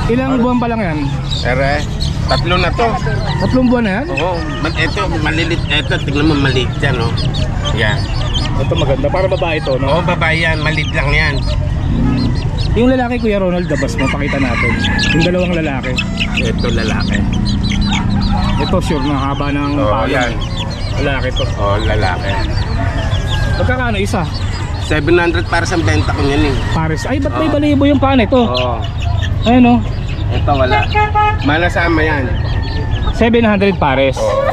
Ilang buwan pa lang yan? Ere, 3 na to. 3 buwan na yan? Oo, ito malilit. Ito, tignan mo maliit yan, oh. Yan. Ito maganda, para babae ito, no? Oo, babae yan, maliit lang yan. Yung lalaki, Kuya Ronald, dabas mo, pakita natin. Yung dalawang lalaki. Ito lalaki. Ito, sure na haba ng Oo, palo. yan. Lalaki to. Oo, lalaki. Magkakano isa? 700 para sa benta ko yan, eh. Pares. Ay, ba't may Oo. balibo yung paan ito? Oo. Ayun, no? Ito wala. Malasama yan. 700 pares. Oo.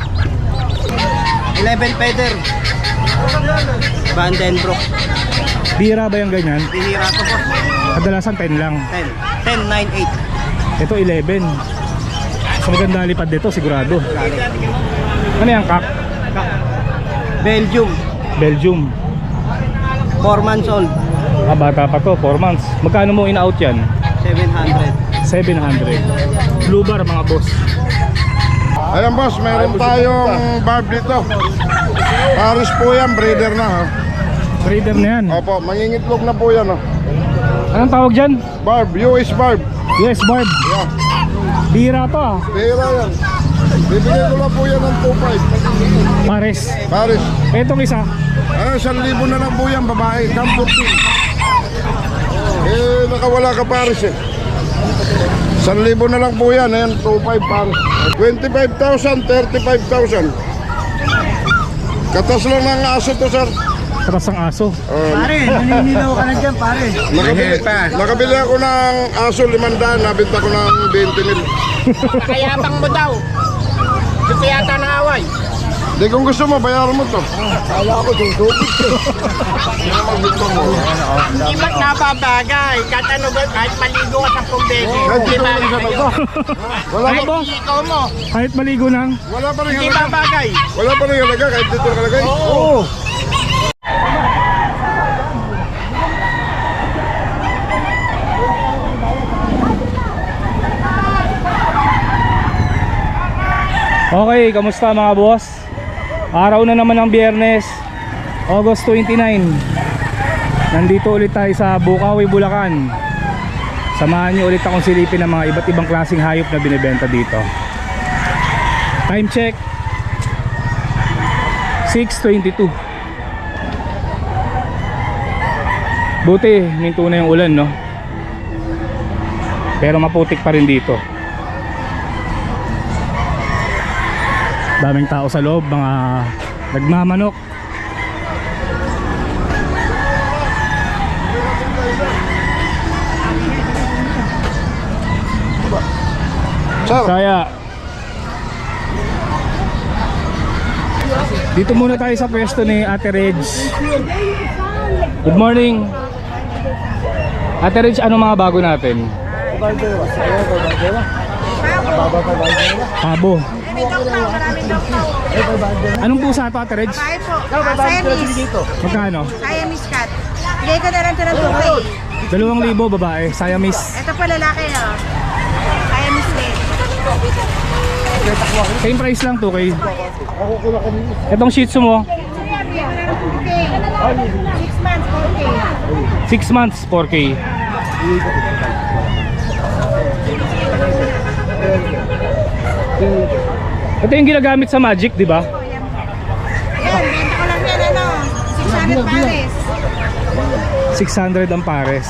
11 feather. Vandenbroek. Bira ba yung ganyan? Bihira to po. Kadalasan 10 lang. 10. 10, 9, 8. Ito 11. Mas maganda lipad dito, sigurado. Ano yan, kak? Belgium. Belgium. 4 months old. Ah, bata pa to, 4 months. Magkano mo in-out yan? 700. 700. Blue bar, mga boss. Ayan boss, meron tayong barb dito. Paris po yan, breeder na ha. Breeder na yan. Opo, mangingitlog na po yan ha. Anong tawag dyan? Barb, US barb. Yes, barb. Yeah, Bira to ah. pera yan. Bibigay ko lang po yan ng 2.5. Pares. Paris. Etong isa. Ano, 1,000 na lang po yan, babae. Campur team. Nakawala ka Paris eh. 1,000 na lang po yan. Ayan, 2.5 Paris. 25,000, 35,000. Katas lang ng aso to, sir. Katas ang aso. Pare, naninilaw ka na dyan, pare. Nakabili, nakabili ako ng aso 500, nabenta ko ng 20,000. Kayapang mo daw. Gusto yata ng away. Di kung gusto mo, bayaran mo to. Kala ko tutupit ko. Hindi ba't napabagay? Kahit maligo ka sa pubebe. Kahit Hindi dito lang sa bagay baba. sa'yo. Wala Kahit pa, ikaw mo. Kahit maligo nang. wala pa rin Hindi halaga. babagay. Wala pa rin halaga, kahit dito nakalagay. Oo. Okay, kamusta mga boss? Araw na naman ng Biyernes, August 29. Nandito ulit tayo sa Bukawi, Bulacan. Samahan niyo ulit akong silipin ng mga iba't ibang klaseng hayop na binibenta dito. Time check 6:22. Buti, minto na yung ulan, no? Pero maputik pa rin dito. Daming tao sa loob, mga nagmamanok. Sir, Kaya dito muna tayo sa pwesto ni Ate Reg. Good morning Ate Reg, ano mga bago natin? Pabo. Anong pusa ito, Ate Reg? Kaya po. Siamese. Magkano? Siamese cat. Bigay ko na lang ito ng 2K. 2,000 babae, Siamese. Ito pa lalaki oh. Siamese din. Same price lang, 2K. Itong Shih Tzu mo, Bigay ko na lang 2K. 6 months, 4K. 6 months, 4K. Ito yung ginagamit sa Magic, di ba? Ayan, benta ko lang yan ano. 600 pares. 600 ang pares.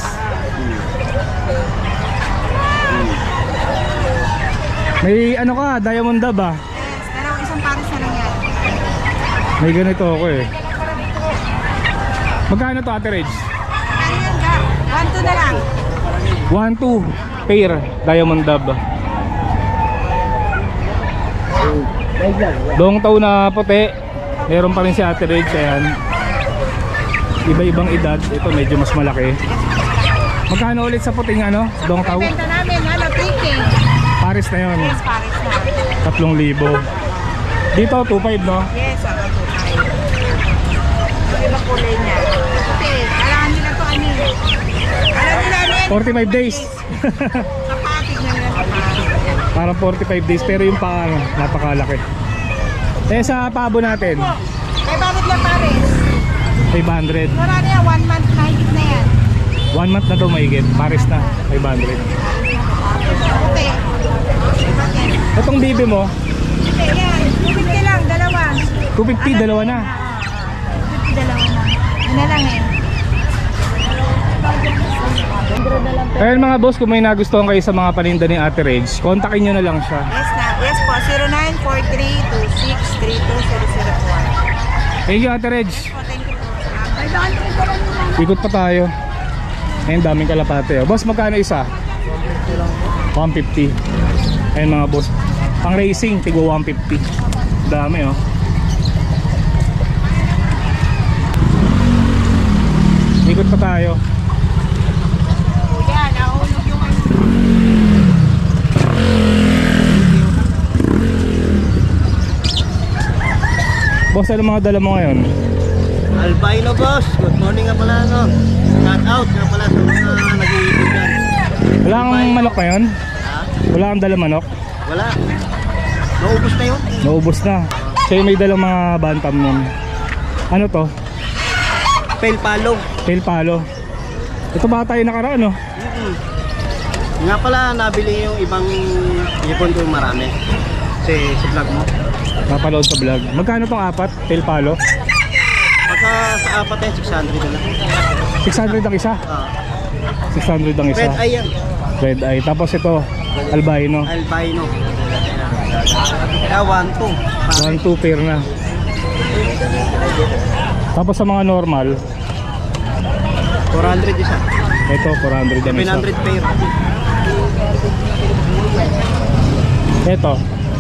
May ano ka, Diamond Dab ah. Yes, pero isang pares na lang yan. May ganito ako eh. Magkano to, Ate Reg? Ano yan ka? 1-2 na lang. 1-2 pair Diamond Dab. Dong taw na puti. Meron pa rin si Ate Reg. Ayan. Iba-ibang edad. Ito medyo mas malaki. Magkano ulit sa puting ano? Dong taw? Benta namin ano, 3K. Pares na yun. Yes, pares na. 3,000. Dito 2,500 no? Yes, 2K. Iba kulay niya. Okay, kailangan nila to ano eh. Alam nila ano yan? 45 days. Kapatig na nila sa pares. Parang 45 days pero yung paa napakalaki. Eh sa pabo natin, May bakit lang pares? 500. Wala na yan, 1 month mahigit na yan. 1 month na to mahigit. Pares na, 500. Itong bibi mo, Hindi, yan. 250 lang, dalawa. 250, dalawa na. 250, dalawa na. Yun na lang eh. Ayun mga boss, kung may nagustuhan kayo sa mga paninda ni Ate Reg, kontakin nyo na lang siya. Yes na. Yes po, 0943-263204. Thank you Ate Reg. Po, thank you po. Ay, bakit ko pa lang naman? Ikot pa tayo. Ayun, daming kalapate. Oh. Boss, magkano isa? 150. Ayun mga boss. Pang racing, tigo 150. Dami oh. Ikot pa tayo. Kuya, nahulog yung ano. Boss, ano mga dala mo ngayon? Albino boss, good morning nga pala no. Shout out nga pala sa mga nag-iikot dyan. Wala kang manok ngayon? Ha? Wala kang dala manok? Wala. Naubos na yun. Naubos na. Sa'yo may dalang mga bantam nun. Ano to? Fail palo. Tail palo. Ito ba tayo nakaraan no? Nga pala nabili yung ibang ipon ko marami. Kasi sa vlog mo. Napaload sa vlog. Magkano tong apat? Tail palo? Pagka sa apat eh, 600 na lang. 600 ang isa? 600 ang isa. Red eye yan. Red eye. Tapos ito, albino. Albino. Kaya 1-2. 1-2 pair na. Tapos sa mga normal, 400 isa. ito 400 ang isa. 700 pair. Ito,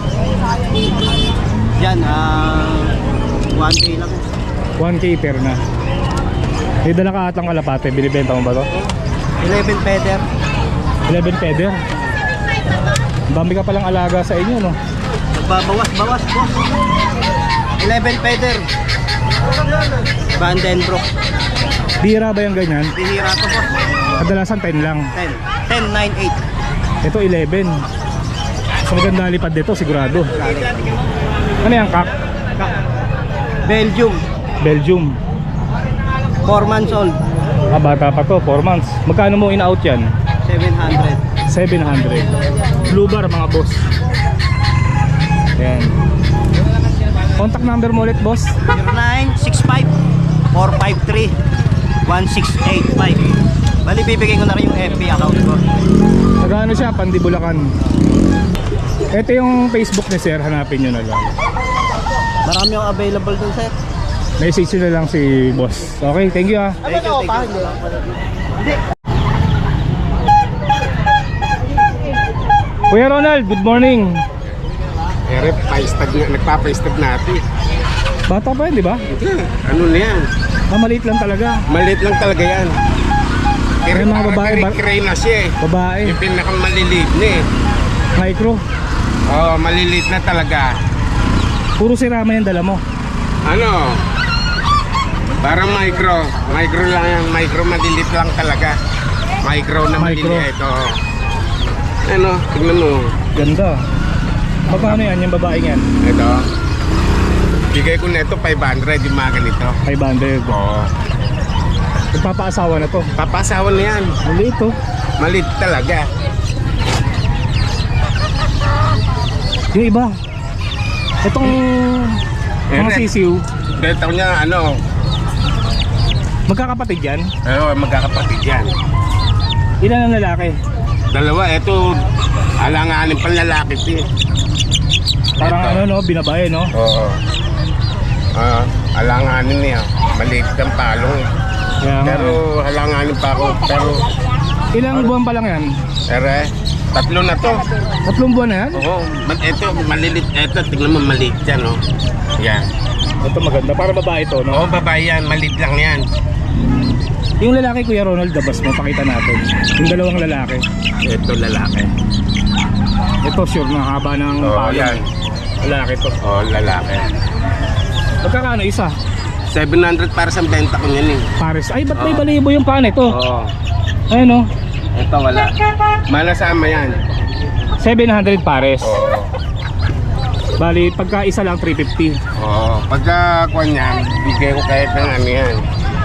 Yan, 1K lang. 1K pair na. May dala ka atang kalapate. Binibenta mo ba to? 11 feather. 11 feather. Ang dami ka palang alaga sa inyo no? Bawas, boss. 11 feather. Vandenbroek. Bira ba yung ganyan? Bihira to, boss. Kadalasan 10 lang. 10, 9, 8. Ito 11. Sa maganda lipad dito sigurado. Ano yan kak? Belgium. Belgium. 4 months old. Ah, bata pa to, 4 months. Magkano mo in-out yan? 700. 700. Blue bar mga boss. Ayan. Contact number mo ulit boss. 0965 453 1685. Bali bibigay ko na rin yung FB account ko. Magkano siya? Pandibulakan. Ito yung Facebook ni sir, hanapin nyo na lang. Marami yung available dun, sir. Message nyo na lang si boss. Okay, thank you ah. Thank you. Kuya Ronald, good morning. Ere, nagpapaistag natin. Bata pa yun, di ba? Ano na yan? Ah, maliit lang talaga. Maliit lang talaga yan. May mga babae ba? Kray na siya eh. Babae, Yung pinakamaliliit na eh. micro. Oo, maliliit na talaga. Puro sirama yung dala mo. Ano? Parang micro. Micro lang yan. Micro, maliliit lang talaga. Micro na Micro. maliliit. Oo. Ano? Tignan mo. Ganda. Magkano yan yung babae yan? Ito. Bigay ko na ito 500 yung mga ganito. 500. Oo. Nagpapaasawa na to. Papasawa na yan. Maliit to. Maliit talaga. Yung iba. Itong mga Ere. sisiw, Betaw niya ano. magkakapatid yan? Oo, magkakapatid yan. Ilan ang lalaki? Dalawa, ito. Alanganin pang lalaki ito eh. Parang Ito. ano no, binabae no? Oo. Alanganin niya. Maliit ang palong eh. Kaya nga. Pero halanganin pa ako. Pero, Ilang buwan pa lang yan? ere, 3 na to. 3 buwan na yan? Oo, ito, malilit. Ito, tignan mo, maliit yan, oh. Yan. Ito maganda, para babae to no? Oo, babae yan. Maliit lang yan. Yung lalaki Kuya Ronald, dabas mo, pakita natin. Yung dalawang lalaki. Ito, lalaki. Ito sure na haba ng Oo, palong. yan. Lalaki to. Oo, lalaki. Magkakano isa? 700 para sa benta ko yan eh. Pares. Ay, ba't may Oo. balibo yung pan ito? Oo. Ayun no? Ito, wala. Malasama yan. 700 pares. Oo. Bali, pagka isa lang 350. Oo. Pagka kuha niyan, bigay ko kahit ng ano yan.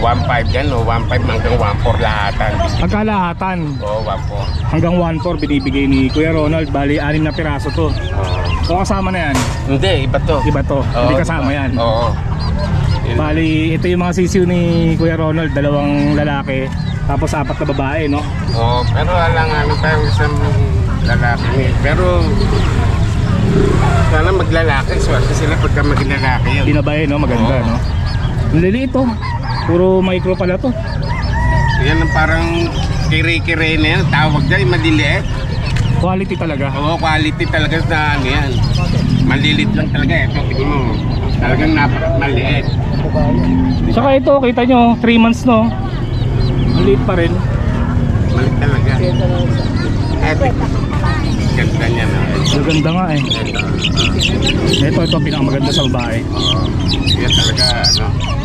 1.5 yan, o 1.5 hanggang 1.4 lahatan. Pagkalahatan, Oo, 1.4. hanggang 1.4 binibigay ni Kuya Ronald. Bali, 6 na piraso to. So kasama na yan. Hindi, iba to. Iba to, Oo, hindi kasama iba. yan. Oo. Yun. Bali, ito yung mga sisiw ni Kuya Ronald, 2 lalaki, tapos 4 na babae, no? Oo, pero wala nga ano tayo isang lalaki ni. Pero sana maglalaki, swerte sila pagka maglalaki yun. Binabae, no? Maganda, Oo. no? Ang liliit to. Puro micro pala to. Yan ang parang kire-kire na yan, tawag dyan, maliliit. Quality talaga. Oo, quality talaga sa ano yan. Malilit lang talaga, ito, tingin mo. Talagang maliit. Saka ito, kita nyo, 3 months, no? Maliit pa rin. Maliit talaga. Eto, ganda niya na. Maganda nga eh. Ito, pinakamaganda sa babae. Oo, yan talaga, ano.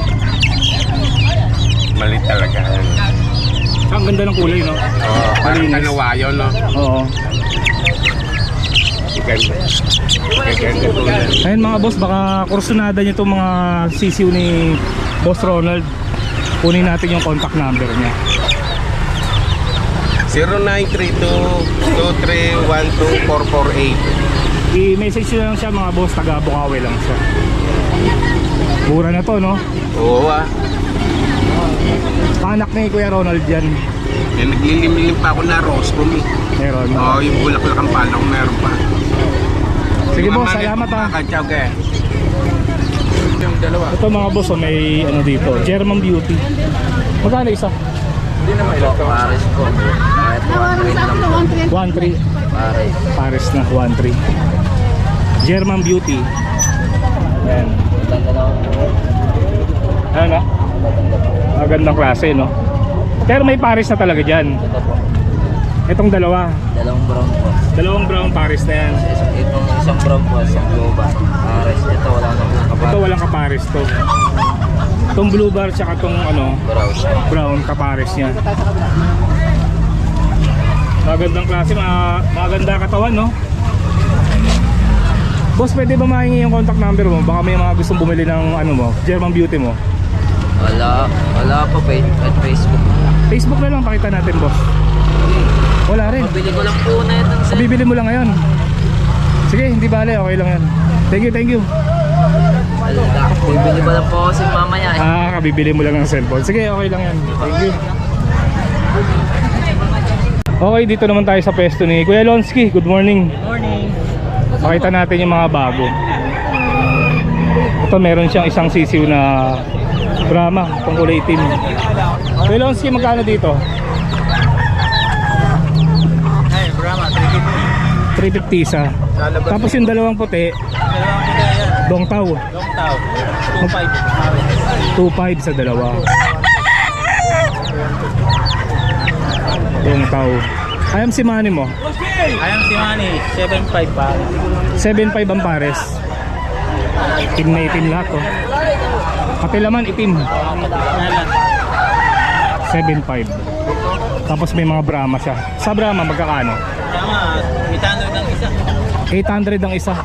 Maliit talaga. Ang ganda ng kulay, no? Oo, parang Malinis. kanawayo, no? Oo. Ganda. Ganda po yan. Ayun mga boss, baka kursunada nyo itong mga sisiw ni Boss Ronald. Kunin natin yung contact number niya. 0932-2312-448. I-message nyo lang siya mga boss, taga Bukawi lang siya. Mura na to, no? Oo, ah. Anak ni Kuya Ronald yan. Yan, naglilim-lim pa ako na rose po, eh. Meron. Oo, yung bulaklak ang palong meron pa. Sige Yung boss, mga salamat ha. Kakatsaw ka eh. Yung dalawa. Ito mga boss, oh, may ano dito, German Beauty. Magkano isa? Hindi na may laptop. Pares po. Kahit 1 lang po. 1.3. Pares. Pares na, 1.3. German Beauty. Yan. Ano na? Magandang klase, no? Pero may Paris na talaga dyan. Ito po. Itong dalawa. Dalawang brown po. Dalawang brown Paris na yan. Itong isang brown po, isang blue ba. Pares. Ito wala na po. Ito walang kapares to. Itong blue bar tsaka itong ano, Brown. brown kapares niya. Magandang klase, maganda katawan, no? Boss, pwede ba mahingi yung contact number mo? Baka may mga gustong bumili ng ano mo, German Beauty mo. Wala po pa at Facebook. Facebook na lang, pakita natin, boss. Wala rin. Mabili ko lang po na itong So, bibili mo lang ngayon. Sige, hindi bale, okay lang yan. Thank you, thank you. Wala. Bibili ko lang po kasi mamaya eh. Kabibili mo lang ng cellphone. Sige, okay lang yan. Thank you. Okay, dito naman tayo sa pwesto ni Kuya Lonsky. Good morning. Good morning. Pakita natin yung mga bago. Ito, meron siyang isang sisiw na Brahma, itong kulay itim. Kuya Lonsky, magkano dito? Ay, Brahma, 350 isa. Tapos yung dalawang puti, Dongtaw. Longtaw. 2.5 sa dalawa. Dongtaw. Ayam si Manny mo. Ayang si Manny, 7.5 pa. 7.5 ang pares. Itim na itim lahat, oh. Pati laman itim. 7.5. Tapos may mga Brahma siya. Sa Brahma magkakano? Tama, mitano ng isa. 800 ang isa.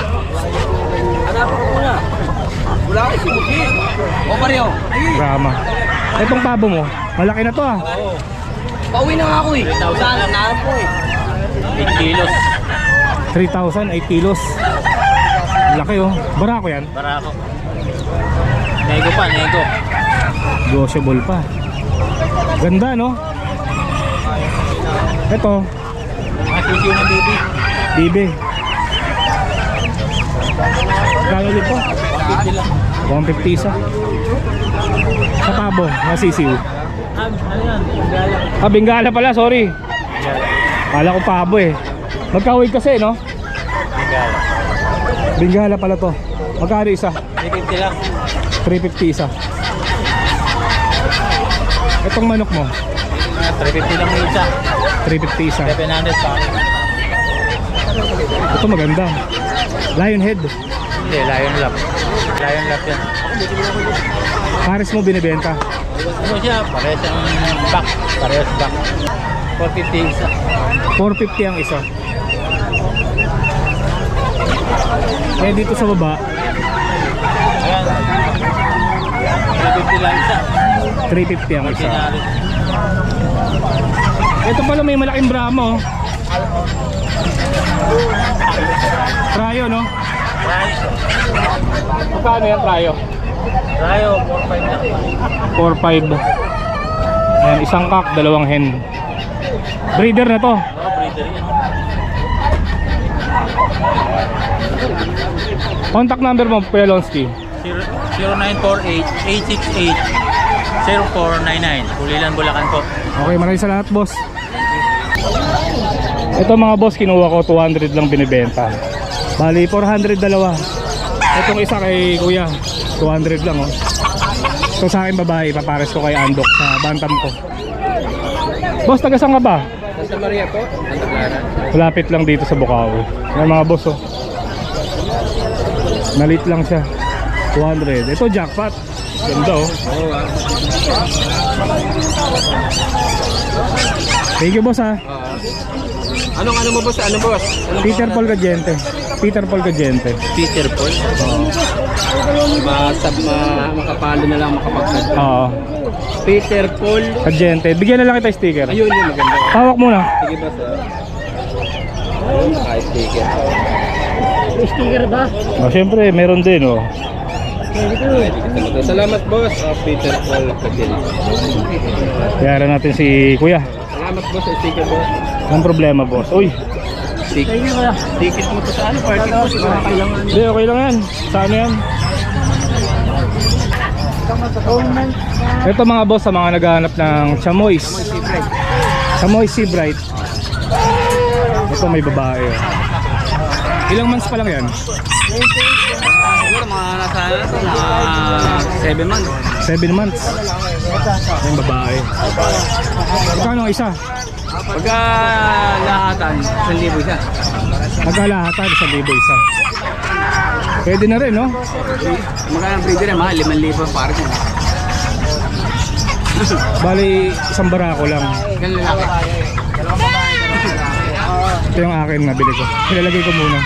Wala ko si Buki. O pareho. Brahma. Itong pabo mo, malaki na to ah. Pauwi na nga ako eh. 3,000 na po eh. 8 kilos. 3,000, 8 kilos. Laki oh. Barako yan. Barako. Nego pa, nego. Negotiable pa. Ganda no? Ito, Masisiw ng baby. bibi. Kano ulit po? 150 lang. 150 isa. Sa pabo, nasisiw. Ano yan? Gala. Bengala pala, sorry. Kala ko pabo eh. Magkawig kasi, no? Gala. Bengala pala to. Magkano isa? 350 lang. 350 isa. Itong manok mo, 350 lang yung isa. 350 isa. 700 pa. Ito maganda. Lion head. Hindi, lion lap. Lion lap yan. Pares mo binibenta. Ano siya? Parehas ang back. Parehas back. 450 isa. 450 ang isa. Eh dito sa baba, Ayan. 350 lang isa. 350 ang isa. Ito pala may malaking Brahmo. Trayo, no? Magkano yan, Trayo? Rayo, 4-5 lang. 4-5. Ayan, isang kak, dalawang hen. Breeder na to. Breeder yan. Contact number mo, Kuya Lonsky. 0948-868-0499. Kulilan, Bulacan po. Okay, maraming salamat, boss. Ito mga boss, kinuha ko 200 lang binibenta. Bali 400 dalawa. Itong isa kay Kuya 200 lang, oh. Ito sa akin babae, papares ko kay Andok sa bantam ko. Boss, taga saan ka ba? Santa Maria po, Santa Clara. Malapit lang dito sa Bukawi. Yan mga boss, oh. Nalit lang siya. 200. Ito jackpot. Ganda, oh. Thank you, boss, ha. Anong ano mo boss? Ano boss? Anong Peter Paul Gadiente. Peter Paul Gadiente. Peter Paul? Makapalo na lang makapagsad. Oo. Peter Paul. Gadiente. Bigyan na lang kita sticker. Ayun yung maganda. Hawak muna. Sige boss Ayun, naka-sticker. Sticker ba? Oh, syempre, meron din, oh. Salamat boss. Peter Paul Kadil. Yaran natin si Kuya. Salamat boss sa sticker boss. Anong problema, boss? Uy. Ticket mo to sa ano? Party boss. Kailangan. Hindi, okay lang yan. Saan yan? Ito mga boss, sa mga naghahanap ng chamois. Chamois Sea Bright. Ito may babae, oh. Ilang months pa lang yan? Siguro mga nasa 7 months. 7 months. Yung babae. Magkano ang isa? Pagka lahatan, 1,000 isa. Magkalahatan, 1,000 isa. Pwede na rin, no? Magkano ang breeder mahal, 5,000 para siya. Bali, isang barako lang. Ganun lalaki. Ito yung akin nabili ko. Ilalagay ko muna.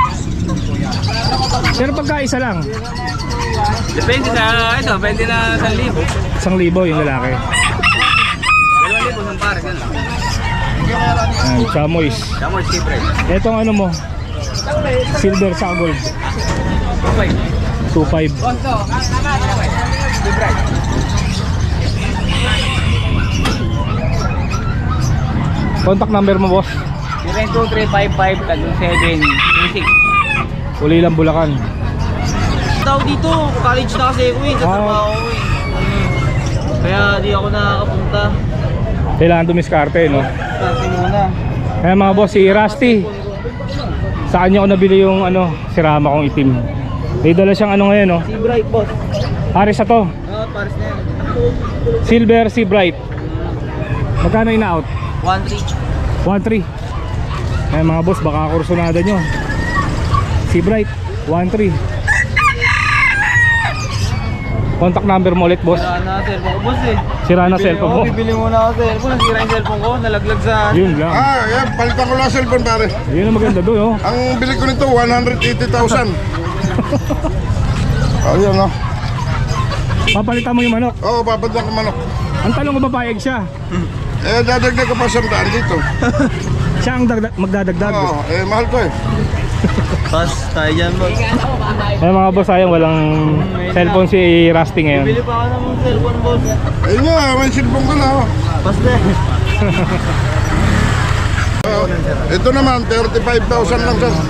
Pero pagka isa lang, Depende sa ito, depende na 1,000. 1,000 yung lalaki. 2,000 ng para, ganun. Ayan, chamois. Damor skipper. Etong ano mo, silver sa gold. 2.5. Contact number mo, boss. 02355-726. Uli lang Bulacan. Tao dito, college na kasi ako sa trabaho ko eh. Kaya di ako nakakapunta. Kailangan dumiskarte, no? Kasi muna. Kaya mga boss, si Rusty, sa kanya ko nabili yung ano, sirama kong itim. May dala siyang ano ngayon, no? Si Bright boss. Paris na to. Paris na yan. Silver Sea Bright. Magkano ina-out? 1-3. 1.3. Kaya mga boss, baka kursunada nyo. Sea Bright 1.3. Contact number mo ulit, boss. Sira na cellphone ko boss eh. Sira na cellphone mo. Bibili muna ako cellphone. Nasira yung cellphone ko. Nalaglag sa... Yun lang. Yan, palitan ko lang cellphone pare. Yun ang maganda doon, oh. Ang bili ko nito, 180,000. Ayun, no? Papalitan mo yung manok. Oo, papadlan ko manok. Ang tanong ko, papayag siya. Dadagdag ko pa 100 dito. Siya ang magdadagdag. Oo, mahal ko eh. Pass tayo dyan boss. Kaya mga boss, sayang walang cellphone si Rusty ngayon. Bili pa ako ng cellphone boss. Ayun nga, may cellphone ko na. Oh. Pass na eh. Ito naman, 35,000 lang sir.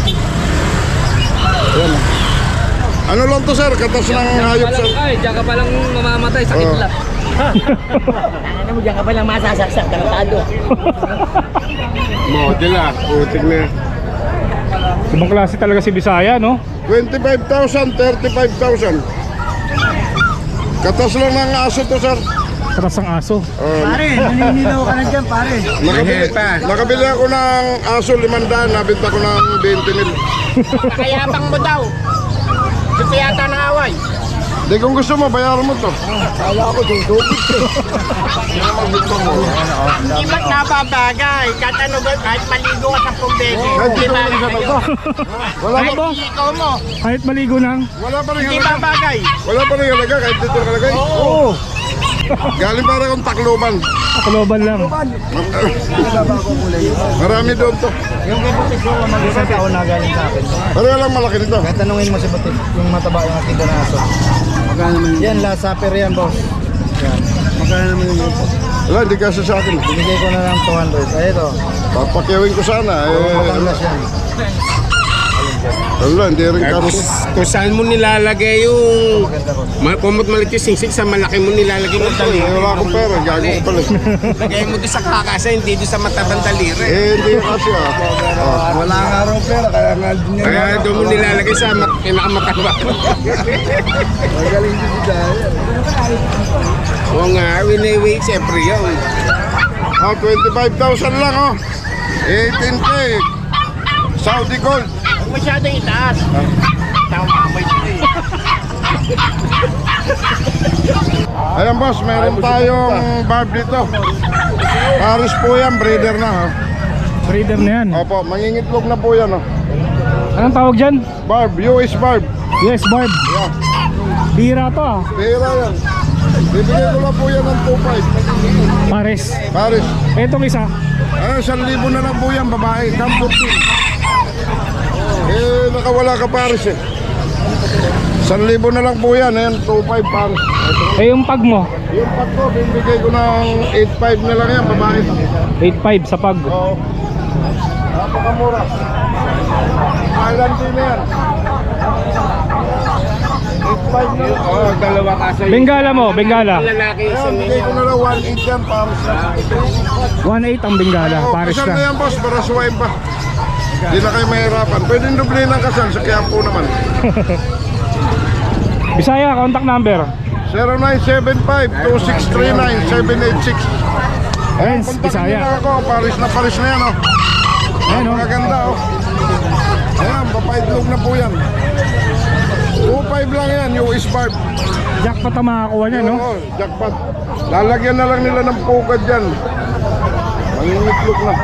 Ayan. Ano lang to sir? Katas ng hayop sir. Ay, diyan ka palang mamamatay. Sakit lang. Ano mo, diyan ka palang masasaksak, tarantado. Model ah, putik na. Ibang klase talaga si Bisaya, no? 25,000, 35,000. Katas lang ng aso to sir. Katas ang aso. Pare, naninilaw ka na dyan pare. Nakabili ako ng aso 500, nabenta ko ng 20,000. Kayapang mo daw. Gusto yata ng away. Di kung gusto mo, bayaran mo to. Kala ko dudubig eh. Hindi ba't nababagay? Kahit ano ba, kahit maligo ka sa pumbede. Kahit Hindi dito ba? isa to. Wala Kahit pa, ikaw mo, Kahit maligo nang. wala pa rin hindi halaga. babagay. Wala pa rin halaga kahit dito nakalagay. Oo. Galing para kong Tacloban. Kaloban lang. Marami doon to. Yung kay Butik ko, mag-isang taon na galing sa akin. Pareho lang malaki nito. Kaya tanungin mo si Butik, yung mataba yung ating ganaso. Magkano naman yun? Yan, last supper yan, boss. Yan. Magkano naman yun? Wala, hindi kasi sa akin. Binigay ko na lang 200. Ay, ito. Papakyawin ko sana. Matangas yan. Wala, hindi rin Kung, kasi. kung saan mo nilalagay yung kumot malit yung singsing, sa malaki mo nilalagay mo daliri. Wala akong pera, gago ko pala. Lagay mo doon sa kakasa, hindi doon sa matabang daliri. Hindi kasi Wala nga raw pera, kaya nga din yan. Kaya doon mo nilalagay sa pinakamataba. Magaling din si Daya. Oo nga, win-away, siyempre yun. 25,000 lang 18K. Saudi Gold. Huwag masyadong itaas. Tama sila Ayan boss, meron tayong barb dito. Paris po yan, breeder na. Breeder na yan. Opo, mangingitlog na po yan. Anong tawag dyan? Barb, US barb. Yes, Barb. Yeah. Bira to ah. Pera yan. Bibigay ko lang po yan ng 2.5. Pares. Paris. Etong isa. 1,000 na lang po yan, babae. Cam 14. Nakawala ka Paris 1,000 na lang po yan. Ayan, 2.5 Paris. Eh yung pag mo. Yung pag ko, bibigay ko ng 8.5 na lang yan, babae. 8.5 sa pag. Oo. Napakamura. Island din na yan. 8.5 na lang. Oo, dalawa kasi. Bengala mo, Bengala. Lalaki isa Ayan, na bigay ko yan. na lang 1.8 yan, Paris. 1.8 ang Bengala. Oo, Pares kasal na ka. yan, boss, para suwain pa. Hindi na kayo mahirapan. Pwedeng doble ng kasal sa Quiapo naman. Bisaya, contact number. 0975-2639-786. Ayan, Kontakin Bisaya. niyo lang ako. Paris na yan, Ayan oh. Magaganda, Ayan, papaitlog na po yan. 2.5 lang yan, US barb. Jackpot ang makakuha niya, no? Oo, jackpot. Lalagyan na lang nila ng pukad dyan. Mangingitlog na.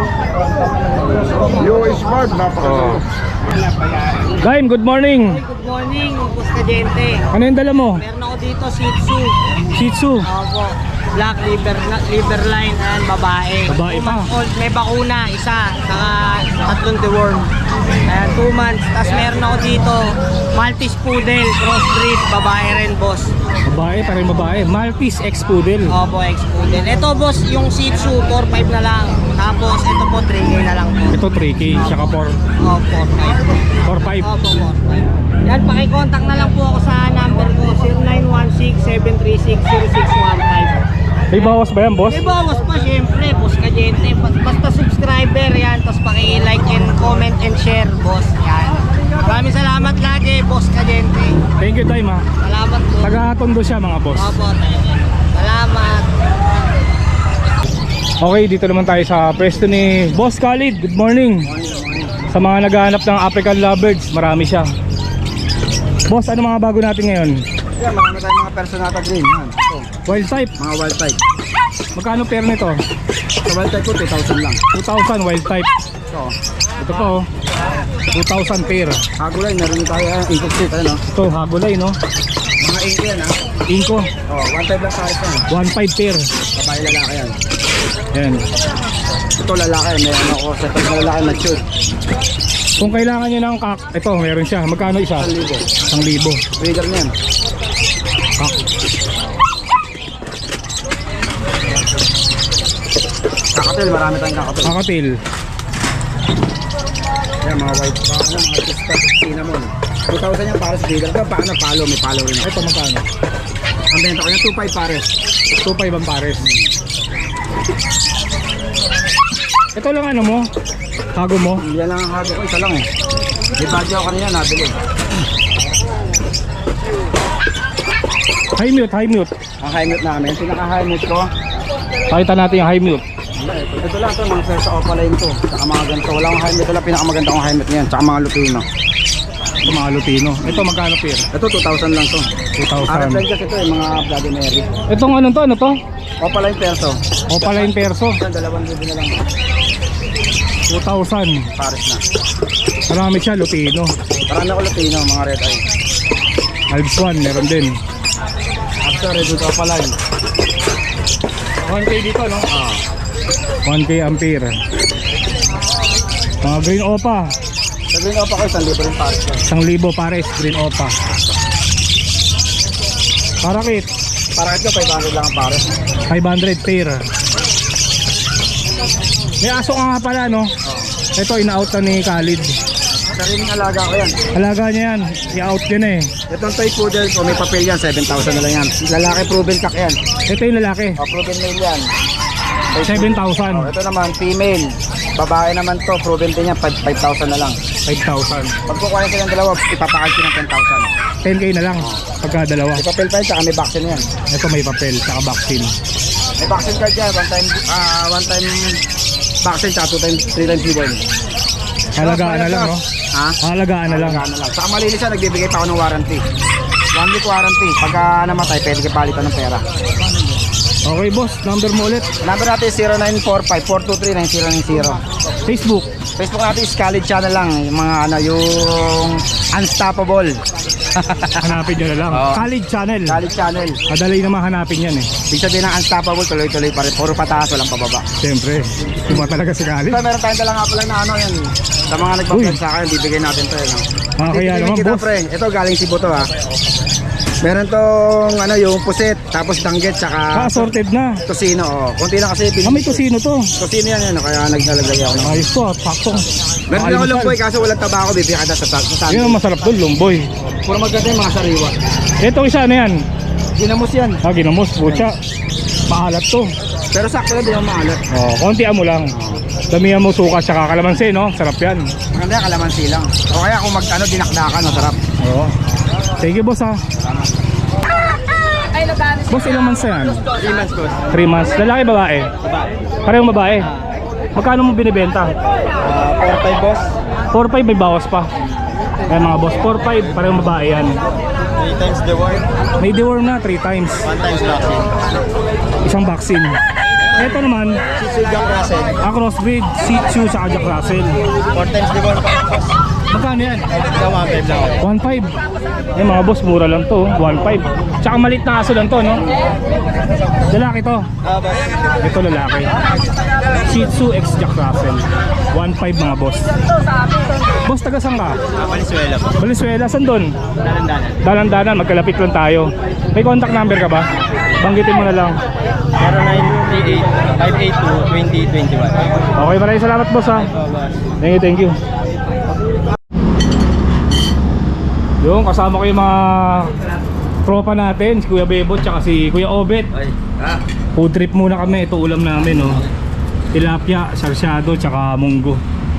US barb, napakaganda. Gaim, good morning. Good morning, Boss Kadente. Ano yung dala mo? Meron ako dito Shih Tzu. Shih Tzu. Opo. Black liver line and babae. Babae 2 pa. months old, may bakuna, isa. Saka 3 deworm. Ayan, 2 months. Tapos meron ako dito Maltese Poodle, crossbreed, babae rin, boss. Babae, parang babae. Maltese ex-poodle. Opo, ex-poodle. Ito, boss, yung Shih Tzu, 4-5 na lang. Tapos ito po, 3K na lang po. Ito 3K, tsaka Opo, 4-5. 4.5. Opo, 4-5. Yan, pakicontact na lang po ako sa number ko, 0916-736-0615. May bawas ba yan, boss? May bawas pa syempre, Boss Kadente. Basta subscriber yan, tapos paki-like and comment and share, boss. Yan. Maraming salamat lagi, Boss Kadente. Thank you, time ha. Salamat po. Taga-Tondo siya, mga boss. Opo, salamat. Okay, dito naman tayo sa pwesto ni Boss Khalid. Good morning. Sa mga naghahanap ng African lovebirds, marami siya. Boss, ano mga bago natin ngayon? Yan, marami tayong mga personata green. Yan. Ito, Wild type. mga wild type. Magkano pair nito? Sa wild type ko, 2,000 lang. 2,000 wild type. Ito, Ito po, 2,000 pair. Hagulay, meron din tayo income street, ano? Ito, hagulay, no? Mga inko yan, ha? Inko, Oh, 1.5 lang sa akin. 1.5 pair. Babae lalaki yan. Yan. Ito lalaki, may ano ko, sa pag lalaki matured. Kung kailangan nyo ng kak, ito, meron siya. Magkano isa? 1,000. 1,000. Breeder na yan. Kak. Kakatil, marami tayong kakatil. Kakatil. Yan, mga white, mga pista, cinnamon. 2,000 yan para sa breeder. Ito, paano palo, may palo rin ako. Ito, magkano? Ang benta ko yan, 2.5 pares. 2.5 ang pares. Ito lang ano mo? Hago mo? Yan lang ang hago ko, isa lang eh. May badge ako kanina, nabili. High mute, high mute. Ang high mute namin, pinaka-high mute ko. Pakita natin yung high mute. Ito lang to, mga first opaline to. Saka mga ganito. Wala akong high mute. Ito lang pinakamaganda kong high mute ngayon. Saka mga lupino. Ito mga Lutino. Ito magkano pair? Ito 2,000 lang to. 2,000. Arab line kasi ito mga Bloody Mary. Itong ano to? Ano to? Opaline perso. Opaline perso. Yan, 2,000 na lang. 2,000. Pares na. Marami siya, Lutino. Marami ako lupino, mga red eye. Alps 1, meron din. After, red dito opaline. 1K dito, no? 1K ampere. Mga green opa. Sabihin ko pa ko, 1,000 rin pares. 1,000 pares, green opa. Parakit, Para ito, 500 lang ang pares. 500 pair. May aso ka nga pala, no? Ito, ina-out na ni Khalid. Sariling alaga ko yan. Alaga niya yan, i-out niya na eh. Itong toy poodle ko, may papel yan, 7,000 na lang yan. Lalaki proven cock yan. Ito yung lalaki, Proven male yan. 7,000. Ito naman, female. Babae naman to, proven din yan, 5,000 na lang. 5,000. Pag kukuha silang dalawa, ipapakal ko ng 10,000. 10K na lang, pagka dalawa. May papel pa yan, saka may vaccine yan. Ito may papel, saka vaccine. May vaccine card yan, one time vaccine, saka 3 times newborn. Halagaan na lang, no? Ha? Halagaan na lang. Alagaan na lang. Saka malinis siya, nagbibigay pa ako ng warranty. 1 week warranty. Pagka namatay, pwede kayo palitan ng pera. Okay, boss, number mo ulit. Number natin is 0945-423-9090. Facebook. Facebook natin is Khalid Channel lang. Yung mga ano, yung Unstoppable. Hanapin nyo na lang. Oo. Khalid Channel. Khalid Channel. Madali naman hanapin yan eh. Ibig sabihin ng Unstoppable, tuloy-tuloy pa rin. Puro pataas, walang pababa. Siyempre, iba talaga si Khalid. Ito, meron tayong dala nga pala na ano yan. Sa mga nagpapag sa akin, bibigay natin to. Ano. Kaya Bibigyan naman, kita, boss. pre. Ito, galing Cebu to ha. Meron tong ano, yung puset, tapos danggit, tsaka Assorted na. tosino. Oh. Kunti lang kasi Ah, may tosino to. Tosino yan, kaya naglalagay ako ng... Ayos to, saktong. Meron din ako Almusal. lumboy, kaso walang tabako, bibigyan kita sa Yan sandwich. ang masarap doon, lumboy. Puro maganda yung mga sariwa. Ito isa na yan. Ginamos yan. Ginamos, butya. Maalat to. Pero sakto lang, di naman maalat. Kontian mo lang. Damihan mo suka tsaka kalamansi, no? Sarap yan. Maganda yung kalamansi lang. O kaya kung mag-ano, dinakdakan, masarap. Oo. Thank you, boss ha. Boss, ilang months na yan? 3 months ko. 3 months. Lalaki, babae? Parehong babae. Magkano mo binibenta? 4-5 boss. 4-5 may bawas pa. Kaya mga boss, 4-5 parehong babae yan. 3 times the word. May deworm na 3 times. 1 times vaccine. Isang vaccine. Ito naman, Si Jack Russell. crossbreed, Shih Tzu sa Jack Russell. 4 times the word pa boss. Magkano yan? Ikaw 1-5 lang. 1.5. Eh mga boss, mura lang to, 1.5. Tsaka malit na aso lang to, no? Lalaki to. Boss. Ito lalaki. Shih Tzu x Jack Russell. 1.5 mga boss. Boss, taga saan ka? Valenzuela po. Valenzuela, saan doon? Dalandanan. Dalan-dalan, magkalapit lang tayo. May contact number ka ba? Banggitin mo na lang. 0938-582-2021. Okay, maraming salamat boss ha. Thank you, thank you. Yung kasama ko yung mga tropa natin, si Kuya Bebot tsaka si Kuya Obet. Food trip muna kami, ito ulam namin, no. Tilapia, sarsyado tsaka munggo.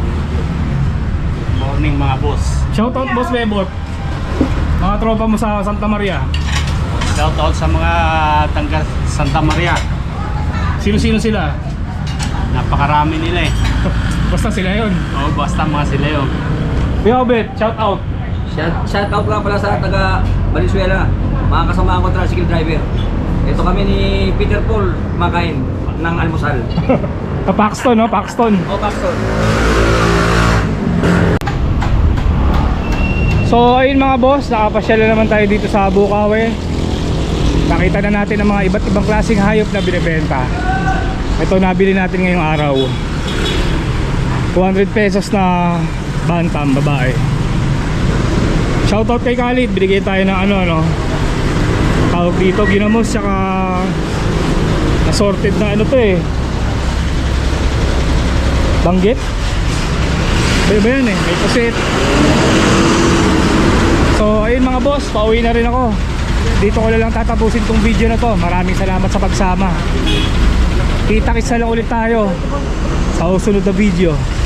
Morning mga boss. Shoutout boss Bebot. Mga tropa mo sa Santa Maria. Shout out sa mga tangga Santa Maria. Sino-sino sila? Napakarami nila eh. Basta sila yun. Oo, basta mga sila yun. Kuya Obet, shoutout. Shout out nga pala sa taga Valenzuela, mga kasama ko tricycle driver. Ito kami ni Peter Paul kumakain ng almusal. Paxton, no? Paxton. O Paxton. So ayun mga boss, nakapasyal na naman tayo dito sa Bukawi. Nakita na natin ang mga iba't ibang klaseng hayop na binibenta. Ito nabili natin ngayong araw. 200 pesos na bantam babae. Shoutout kay Khalid, binigay tayo ng ano tawag dito, ginamos tsaka assorted na ano to eh, banggit. Ba yan eh, may pusit. So ayun mga boss, pauwi na rin ako. Dito ko na lang tatapusin tong video na to. Maraming salamat sa pagsama. Kita-kits na lang ulit tayo sa susunod na video.